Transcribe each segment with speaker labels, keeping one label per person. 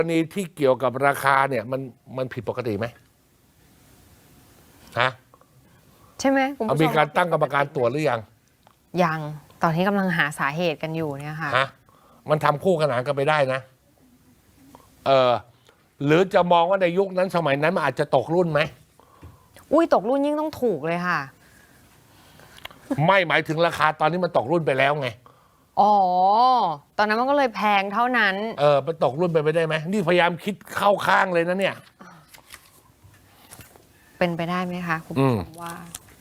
Speaker 1: กรณีที่เกี่ยวกับราคาเนี่ยมันผิดปกติไหมฮะ
Speaker 2: ใช่ไหมคุณผู้ช
Speaker 1: มีการตั้งกรรมการตรวจหรือยัง
Speaker 2: ยังตอนนี้กำลังหาสาเหตุกันอยู่เนี่ยค่ะ
Speaker 1: ฮะมันทำคู่ขนานกันไปได้นะหรือจะมองว่าในยุคนั้นสมัยนั้นมันอาจจะตกรุ่นไหม
Speaker 2: อุ้ยตกรุ่นยิ่งต้องถูกเลยค่ะ
Speaker 1: ไม่หมายถึงราคาตอนนี้มันตกรุ่นไปแล้วไง
Speaker 2: อ๋อตอนนั้นมันก็เลยแพงเท่านั้น
Speaker 1: มันตกรุ่นไปไม่ได้ไหมนี่พยายามคิดเข้าข้างเลยนะเนี่ย
Speaker 2: เป็นไปได้ไหมคะคุณผู้ชมว่า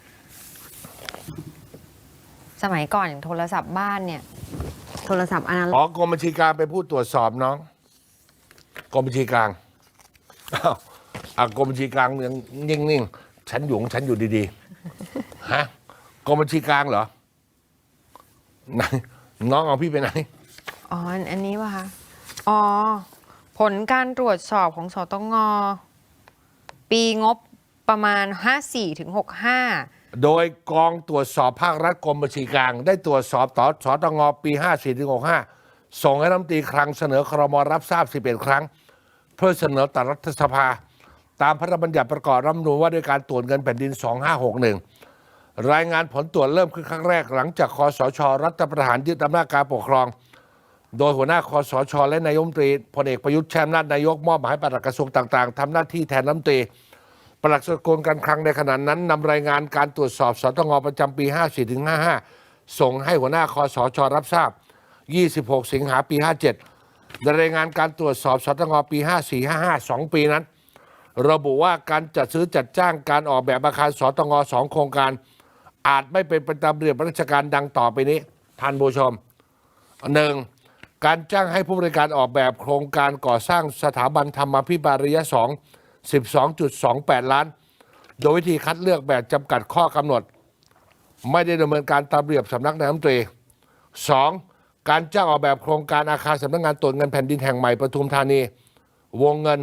Speaker 2: สมัยก่อนอย่างโทรศัพท์บ้านเนี่ย โทรศัพท์อนาล็อก
Speaker 1: กรมบัญชีกลางไปผู้ตรวจสอบน้องกรมบัญชีกลางกรมบัญชีกลางยังนิ่งๆฉันอยู่ของฉันอยู่ดีๆฮะกรมบัญชีกลางเหรอไหนน้องเอาพี่ไปไหน
Speaker 2: อ๋ออันนี้ป่ะคะอ๋อผลการตรวจสอบของสตงปีงบประมาณ 54-65
Speaker 1: โดยกองตรวจสอบภาครัฐกรมบัญชีกลางได้ตรวจสอบต่อสตงปี 54-65 ส่งให้รัฐมนตรีคลังเสนอครม.รับทราบ 11 ครั้ง เพื่อเสนอต่อรัฐสภา ตามพระราชบัญญัติประกอบรัฐธรรมนูญว่าด้วยการตรวจเงินแผ่นดิน 2561 รายงานผลตรวจเริ่มขึ้นครั้งแรกหลังจากคสช.รัฐประหารยึดอำนาจการปกครอง โดยหัวหน้าคสช.และนายกรัฐมนตรีพลเอกประยุทธ์ใช้อำนาจนายกมอบหมายให้ปลัดกระทรวงต่างๆทำหน้าที่แทนรัฐมนตรีปลัดกระทรวงการคลังในขณะนั้นนำรายงานการตรวจสอบสตงประจำปี 54-55 ส่งให้หัวหน้าคสช.รับทราบ 26 สิงหาปี 57 รายงานการตรวจสอบสตงปี 54-55 2 ปีนั้น ระบุว่าการจัดซื้อจัดจ้างการออกแบบอาคารสตง2 โครงการ อาจไม่เป็นไปตามระเบียบราชการดังต่อไปนี้ท่านผู้ชม 1. การจ้างให้ผู้บริการออกแบบโครงการก่อสร้างสถาบันธรรมาภิบาลระยะ 2 12.28 ล้าน โดยวิธีคัดเลือกแบบจำกัดข้อกำหนด ไม่ได้ดำเนินการตามระเบียบสำนักนายกรัฐมนตรี 2. การจ้างออกแบบโครงการอาคารสำนักงานตรวจเงินแผ่นดินแห่งใหม่ปทุมธานี วงเงิน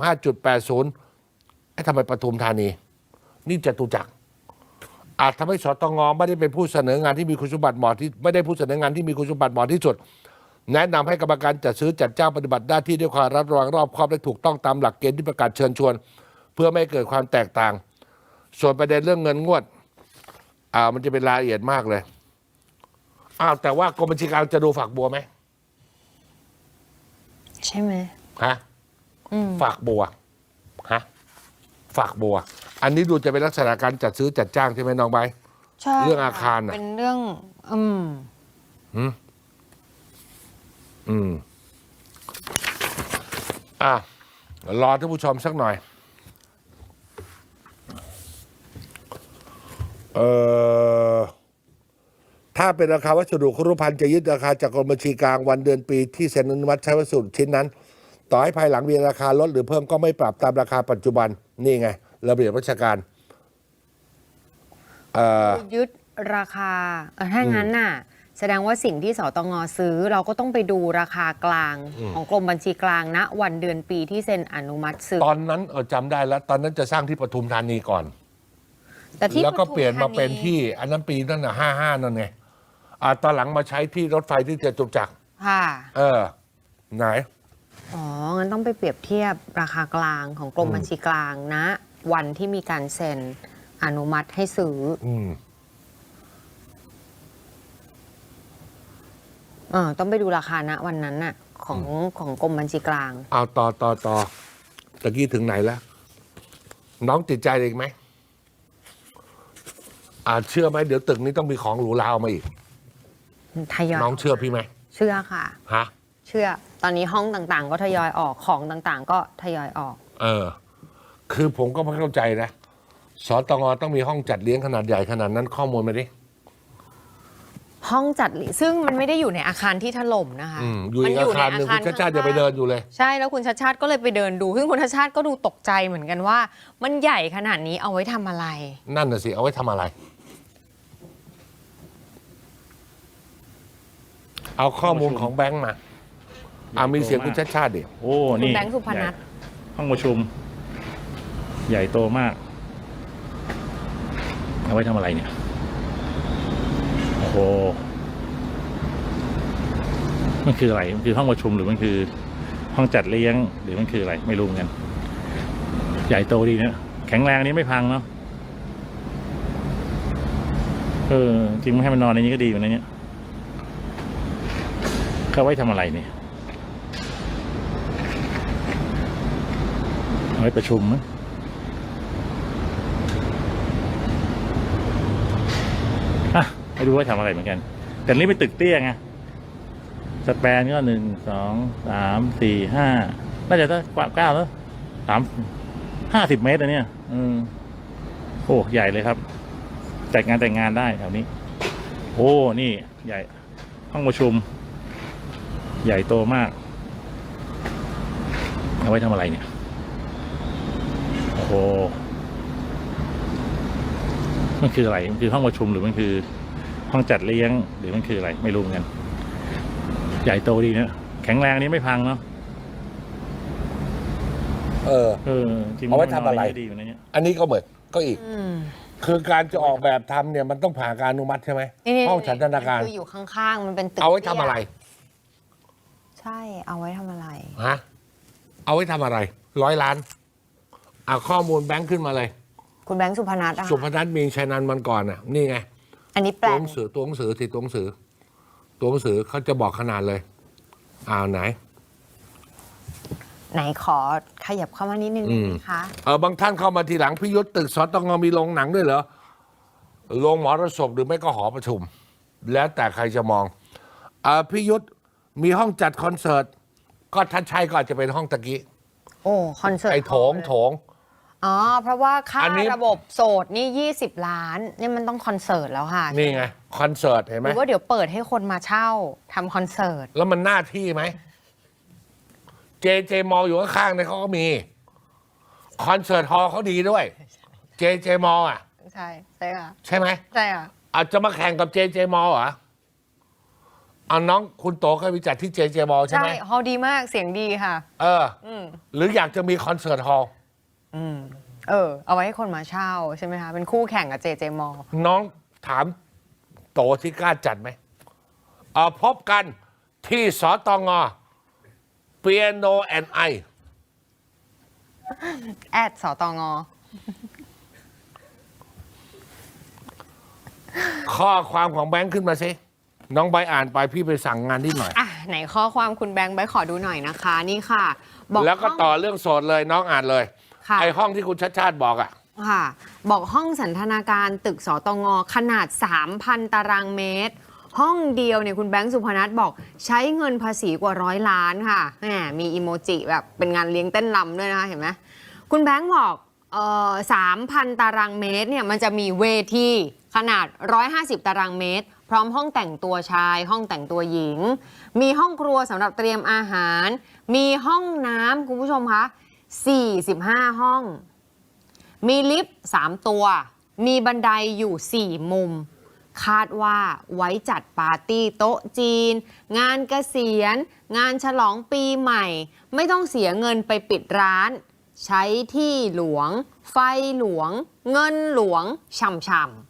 Speaker 1: 25.80 ทำไมปทุมธานี นี่จตุจักรอาจทำให้สตงไม่ได้เป็นผู้เสนองานที่มีคุณสมบัติเหมาะที่ไม่ได้ผู้เสนองานที่มีคุณสมบัติเหมาะที่สุด แนะนำให้กรรมการจัดซื้อจัดจ้างปฏิบัติหน้าที่ด้วยความระวังรอบคอบและถูกต้องตามหลักเกณฑ์ที่ประกาศเชิญชวน เพื่อไม่ให้เกิดความแตกต่าง ส่วนประเด็นเรื่องเงินงวดมันจะเป็นรายละเอียดมากเลยแต่ว่ากรมบัญชีกลางจะดูฝักบัวไหม
Speaker 2: ใช่ไหม
Speaker 1: ฮะฝักบัวฮะฝักบัว อันนี้ดูจะเป็นลักษณะการจัดซื้อจัดจ้างใช่ไหมน้องใบ
Speaker 2: ใช่
Speaker 1: เรื่องอาคาร
Speaker 2: เป็นเรื่อง
Speaker 1: รอท่านผู้ชมสักหน่อยถ้าเป็นราคาวัสดุครุภัณฑ์จะยึดราคาจากกรมบัญชีกลางวันเดือนปีที่เซ็นอนุมัติใช้วัสดุชิ้นนั้น ต่อให้ภายหลังมีราคาลดหรือเพิ่มก็ไม่ปรับตามราคาปัจจุบันนี่ไงระเบียบราชการ
Speaker 2: ยึดราคาถ้างั้นน่ะแสดงว่าสิ่งที่สตงซื้อเราก็ต้องไปดูราคากลางของกรมบัญชีกลางณวันเดือนปีที่เซ็นอนุมัติซื้อ
Speaker 1: ตอนนั้นจำได้แล้วตอนนั้นจะสร้างที่ปทุมธานีก่อน
Speaker 2: แต่ที่
Speaker 1: แล้วก็เปลี่ยนมา
Speaker 2: ปทุธ
Speaker 1: เป็นที่อันนั้นปีนั่นน่ะ55นั่นไงตอนหลังมาใช้ที่รถไฟที่จตุจักร
Speaker 2: ค่ะ
Speaker 1: ไหน
Speaker 2: อ๋องั้นต้องไปเปรียบเทียบราคากลางของกรมบัญชีกลางณวันที่มีการเซ็นอนุมัติให้ซื้อต้องไปดูราคาณวันนั้นน่ะของกรมบัญชีกลาง
Speaker 1: ต่อตะกี้ถึงไหนแล้วน้องติดใจอีกไหมเชื่อไหมเดี๋ยวตึกนี้ต้องมีของหรูหราออกมาอีก
Speaker 2: ทยอย
Speaker 1: น้องเชื่อพี่ไหม
Speaker 2: เชื่อค่ะ
Speaker 1: ฮะ
Speaker 2: เชื่อตอนนี้ห้องต่างๆก็ทยอยออกของต่างๆก็ทยอยออก
Speaker 1: คือผมก็ไม่เข้าใจนะสตงต้องมีห้องจัดเลี้ยงขนาดใหญ่ขนาดนั้นข้อมูลมาดิ
Speaker 2: ห้องจัดซึ่งมันไม่ได้อยู่ในอาคารที่ถล่มนะคะ
Speaker 1: อยู่ในอาคารหนึ่งคุณชาติชาติจะไปเดินอยู่เลย
Speaker 2: ใช่แล้วคุณชาติชาติก็เลยไปเดินดูซึ่งคุณชาติชาติก็ดูตกใจเหมือนกันว่ามันใหญ่ขนาดนี้เอาไว้ทำอะไร
Speaker 1: นั่นน่ะสิเอาไว้ทำอะไรเอาข้อมูลของแบงค์มามีเสียงคุณชาติชาติดิ
Speaker 3: โอ้
Speaker 2: คุณ
Speaker 3: นี่
Speaker 2: แบงค์สุพนัท
Speaker 3: ห้องประชุมใหญ่โตมากเอาไว้ทำอะไรเนี่ยโอ้โหมันคืออะไรมันคือห้องประชุมหรือมันคือห้องจัดเลี้ยงหรือมันคืออะไรไม่รู้เหมือนกันใหญ่โตดีนะแข็งแรงนี้ไม่พังเนาะจริงไม่ให้มันนอนในนี้ก็ดีเหมือนกันเนี่ยเขาไว้ทำอะไรเนี่ยเอาไว้ประชุมมั้งไม่รู้ว่าทำอะไรเหมือนกันแต่นี่เป็นตึกเตี้ยไงสแปนก็1 2 3 4 5น่าจะได้9แล้ว50 เมตรนะเนี่ยโอ้ใหญ่เลยครับแต่งงานได้แถวนี้โอ้นี่ใหญ่ห้องประชุมใหญ่โตมากเอาไว้ทำอะไรเนี่ยโอ้โหมันคืออะไรมันคือห้องประชุมหรือมันคือห้องจัดเลี้ยงหรือมันคืออะไรไม่รู้เหมือนกันใหญ่โตดีนะแข็งแรงนี้ไม่พังเนาะจริง
Speaker 1: เอาไว้ทำอะไร
Speaker 3: ดีอยู่นะเนี่ย
Speaker 1: อันนี้ก็เหมือนก็อีก คือการจะออกแบบทำเนี่ยมันต้องผ่านการอนุมัติใช่ไหม
Speaker 2: นี่
Speaker 1: ห้องฉันทนาการ
Speaker 2: คืออยู่ข้างๆมันเป็นตึก
Speaker 1: เอาไว้ทำอะไร
Speaker 2: ใช่เอาไว้ทำอะไร
Speaker 1: ฮะเอาไว้ทำอะไร100 ล้านข้อมูลแบงค์ขึ้นมาเลย
Speaker 2: คุณแบงค์สุพนัทอะ
Speaker 1: สุพนัทมีชัยนันท์มันก่อนน่ะนี่ไง
Speaker 2: อันนี้แปล
Speaker 1: ตัวหนังสือตัวหนังสือเขาจะบอกขนาดเลยไหน
Speaker 2: ไหนขอขยับเข้ามานิดนึงนะคะ
Speaker 1: บางท่านเข้ามาทีหลังพี่ยุทธตึกสตงมีโรงหนังด้วยเหรอโรงหมอระศพหรือไม่ก็หอประชุม แล้วแต่ใครจะมองพี่ยุทธมีห้องจัดคอนเสิร์ตก็ท่านชัยก็อาจจะเป็นห้องตะกี้
Speaker 2: โอ้คอนเสิร์ต
Speaker 1: ไอ้โถง
Speaker 2: อ๋อเพราะว่าค่า
Speaker 1: อันนี้
Speaker 2: ระบบโสดนี่20 ล้านนี่มันต้องคอนเสิร์ตแล้วค่ะ
Speaker 1: นี่ไงคอนเสิร์ตเห็นไห
Speaker 2: ห
Speaker 1: ม
Speaker 2: รือว่าเดี๋ยวเปิดให้คนมาเช่าทำคอนเสิร์ต
Speaker 1: แล้วมันหน้าที่ไหมเจมออยู่ข้างๆเนี่ยเขาก็มีคอนเสิร์ตฮอลล์เขาดีด้วยเจมอ
Speaker 2: ใช่ใช่ค่ะ
Speaker 1: ใช่ไหม
Speaker 2: ใช่ค่ะ
Speaker 1: อาจจะมาแข่งกับเจมอเหรอเอาน้องคุณโตเคยไปจัดที่เจมอใช่
Speaker 2: ใช่
Speaker 1: ไหม
Speaker 2: ฮอลดีมากเสียงดีค่ะ
Speaker 1: หรืออยากจะมีคอนเสิร์ตฮอลล์
Speaker 2: เอาไว้ให้คนมาเช่าใช่ไหมคะเป็นคู่แข่งกับเจมอ
Speaker 1: น้องถามโตที่กล้าจัดไหมพบกันที่สตงเปียโนแอนไอ
Speaker 2: แอดสตง
Speaker 1: ข้อความของแบงค์ขึ้นมาสิน้องใบอ่านไปพี่ไปสั่งงานนิดหน่อย
Speaker 2: ไหนข้อความคุณแบงค์ใบขอดูหน่อยนะคะนี่ค่ะบอก
Speaker 1: แล้วก็
Speaker 2: ห้อง
Speaker 1: ต่อเรื่องโสดเลยน้องอ่านเลย
Speaker 2: ค่ะ
Speaker 1: ไอห้องที่คุณชัดชาติบอก
Speaker 2: ค่ะบอกห้องสันทนาการตึกสตงขนาด 3,000 ตารางเมตร ห้องเดียวเนี่ยคุณแบงค์สุพนัทบอกใช้เงินภาษีกว่า100 ล้านค่ะแหมมีอีโมจิแบบเป็นงานเลี้ยงเต้นรำด้วยนะคะเห็นไหมคุณแบงค์บอก3,000 ตารางเมตรเนี่ยมันจะมีเวทีขนาด150 ตารางเมตร พร้อมห้องแต่งตัวชาย ห้องแต่งตัวหญิง มีห้องครัวสำหรับเตรียมอาหาร มีห้องน้ำคุณผู้ชมคะ45 ห้อง มีลิฟต์3 ตัว มีบันไดอยู่ 4 มุม คาดว่าไว้จัดปาร์ตี้โต๊ะจีน งานเกษียณ งานฉลองปีใหม่ ไม่ต้องเสียเงินไปปิดร้าน ใช้ที่หลวง ไฟหลวง เงินหลวงช่ำ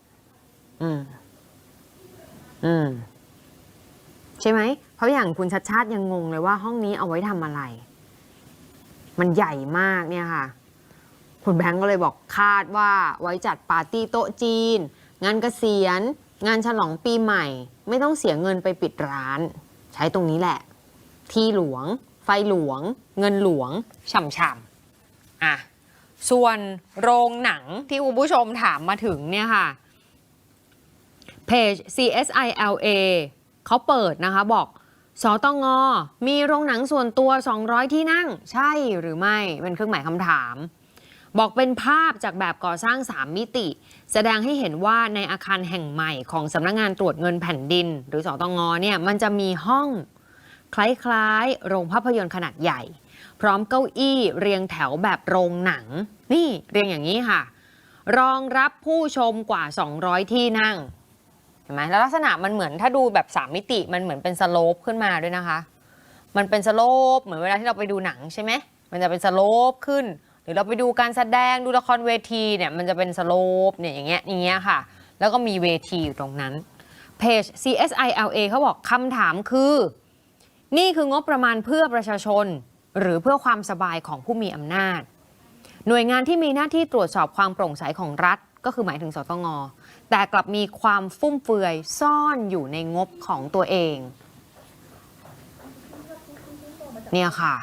Speaker 2: ใช่ไหม เพราะอย่างคุณชัดชาติยังงงเลยว่าห้องนี้เอาไว้ทำอะไร มันใหญ่มากเนี่ยค่ะ คุณแบงก์ก็เลยบอกคาดว่าไว้จัดปาร์ตี้โต๊ะจีน งานเกษียณ งานฉลองปีใหม่ ไม่ต้องเสียเงินไปปิดร้าน ใช้ตรงนี้แหละ ที่หลวง ไฟหลวง เงินหลวงฉ่ำๆส่วนโรงหนังที่คุณผู้ชมถามมาถึงเนี่ยค่ะเพจ CSILA เขาเปิดนะคะบอกสตงมีโรงหนังส่วนตัว200 ที่นั่งใช่หรือไม่เป็นเครื่องหมายคำถามบอกเป็นภาพจากแบบก่อสร้าง3 มิติแสดงให้เห็นว่าในอาคารแห่งใหม่ของสำนักงานตรวจเงินแผ่นดินหรือสตงเนี่ยมันจะมีห้องคล้ายๆโรงภาพยนตร์ขนาดใหญ่พร้อมเก้าอี้เรียงแถวแบบโรงหนังนี่เรียงอย่างนี้ค่ะรองรับผู้ชมกว่า200 ที่นั่งเห็นไหมแล้วลักษณะมันเหมือนถ้าดูแบบ3 มิติมันเหมือนเป็นสโลปขึ้นมาด้วยนะคะมันเป็นสโลปเหมือนเวลาที่เราไปดูหนังใช่ไหมมันจะเป็นสโลปขึ้นหรือเราไปดูการแสดงดูละครเวทีเนี่ยมันจะเป็นสโลปเนี่ยอย่างเงี้ยค่ะแล้วก็มีเวทีอยู่ตรงนั้นเพจ CSILA เขาบอกคำถามคือนี่คืองบประมาณเพื่อประชาชนหรือเพื่อความสบายของผู้มีอำนาจ หน่วยงานที่มีหน้าที่ตรวจสอบความโปร่งใสของรัฐก็คือหมายถึงสตง.แต่กลับมีความฟุ่มเฟือยซ่อนอยู่ในงบของตัวเองเนี่ยค่ะ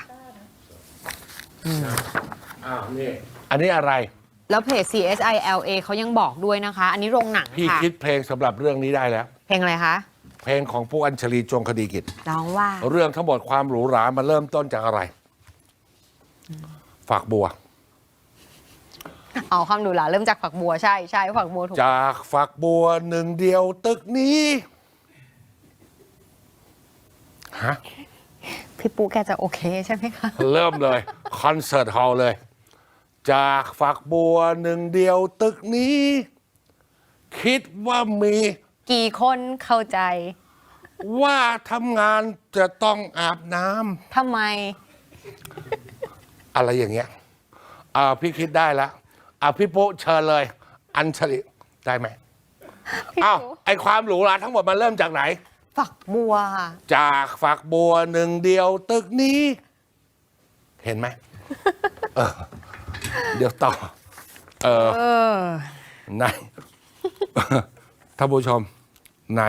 Speaker 1: นี่อันนี้อะไร
Speaker 2: แล้วเพจ CSILA เขายังบอกด้วยนะคะ อันนี้โรงหนัง
Speaker 1: พี่
Speaker 2: ค่ะ
Speaker 1: คิดเพลงสำหรับเรื่องนี้ได้แล้ว
Speaker 2: เพลงอะไรคะ
Speaker 1: เพลงของผู้อัญชลีจงคดีกิจ
Speaker 2: ร้องว่า
Speaker 1: เรื่องทั้งหมดความหรูหรามันเริ่มต้นจากอะไร ฝักบัว
Speaker 2: เอาคำดูหลาเริ่มจากฝักบัวใช่ใช่ฝักบัวถูก
Speaker 1: จากฝักบัวหนึ่งเดียวตึกนี้ฮะ
Speaker 2: พี่ปูแกจะโอเคใช่ไหมคะ
Speaker 1: เริ่มเลย คอนเสิร์ตฮอลล์เลย จากฝักบัวหนึ่งเดียวตึกนี้ คิดว่ามี
Speaker 2: กี่คนเข้าใจ
Speaker 1: ว่าทำงานจะต้องอาบน้
Speaker 2: ทำไม
Speaker 1: ำอะไรอย่างเงี้ยพี่คิดได้แล้วพี่ปุ๊เชิญเลย อัญชลีได้ไหม
Speaker 2: พี่
Speaker 1: อ้าว
Speaker 2: ปู
Speaker 1: ไอความหรูหราทั้งหมดมันเริ่มจากไหน
Speaker 2: ฝักบัวค่ะ
Speaker 1: จากฝักบัวหนึ่งเดียวตึกนี้ เห็นไหม เดี๋ยวต่อไหน ท่านผู้ชมไหน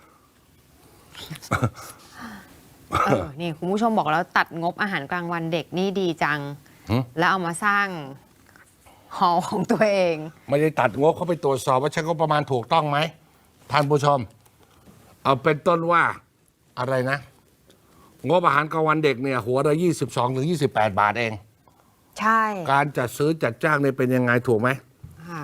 Speaker 2: นี่คุณผู้ชมบอกแล้วตัดงบอาหารกลางวันเด็กนี่ดีจัง
Speaker 1: หืม
Speaker 2: แล้วเอามาสร้างหอของตัวเอง
Speaker 1: ไม่ได้ตัดงบเขาไปตรวจสอบว่าใช้งบประมาณถูกต้องไหมท่านผู้ชม เอาเป็นต้นว่าอะไรนะ งบอาหารกลางวันเด็กเนี่ย หัวละ22-28 บาทเอง
Speaker 2: ใช่
Speaker 1: การจัดซื้อจัดจ้างเนี่ยเป็นยังไงถูกไหม
Speaker 2: ค่ะ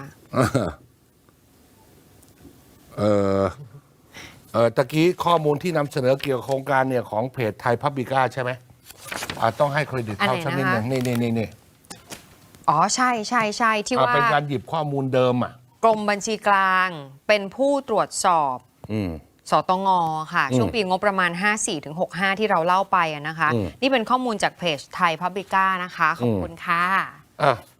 Speaker 1: ตะกี้ข้อมูลที่นำเสนอเกี่ยวกับโครงการเนี่ยของเพจไทยพับบิก้าใช่ไหมต้องให้เครดิตเขาสักนิดหนึ่งนี่
Speaker 2: อ๋อใช่ใช่ใช่ที่ว่า
Speaker 1: เป็นการหยิบข้อมูลเดิม
Speaker 2: กรมบัญชีกลางเป็นผู้ตรวจสอบ สตง.ค่ะ ช่วงปีงบประมาณ 54-65 ที่เราเล่าไปนะคะ นี่เป็นข้อมูลจากเพจไทยพับบิก้านะคะ ขอบคุณค่ะ
Speaker 1: อ่ะ